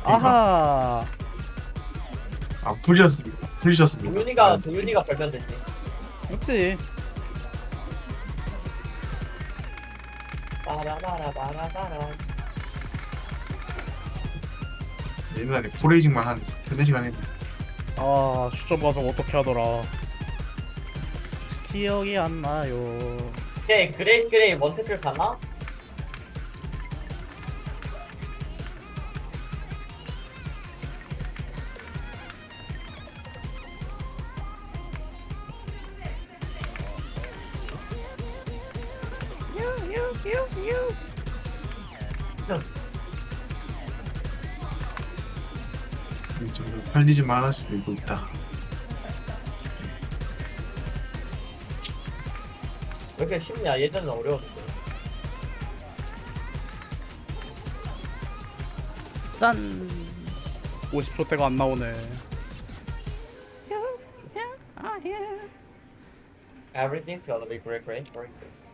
아하. 아 풀리셨습니다. 도윤이가 벌면 되지. 그렇지. 빠라바라바라바라. 옛날에 포레이징만 한 3-4시간 했는데 아 수첩 과정 어떻게 하더라. 기억이 안 나요. 오케이, 그레이 원태클 가나? 좀 팔리지만 할 수도 있다. 왜 이렇게 쉽냐? 예전엔 어려웠는데. 짠. 50초 대가 안 나오네. Everything's gonna be great.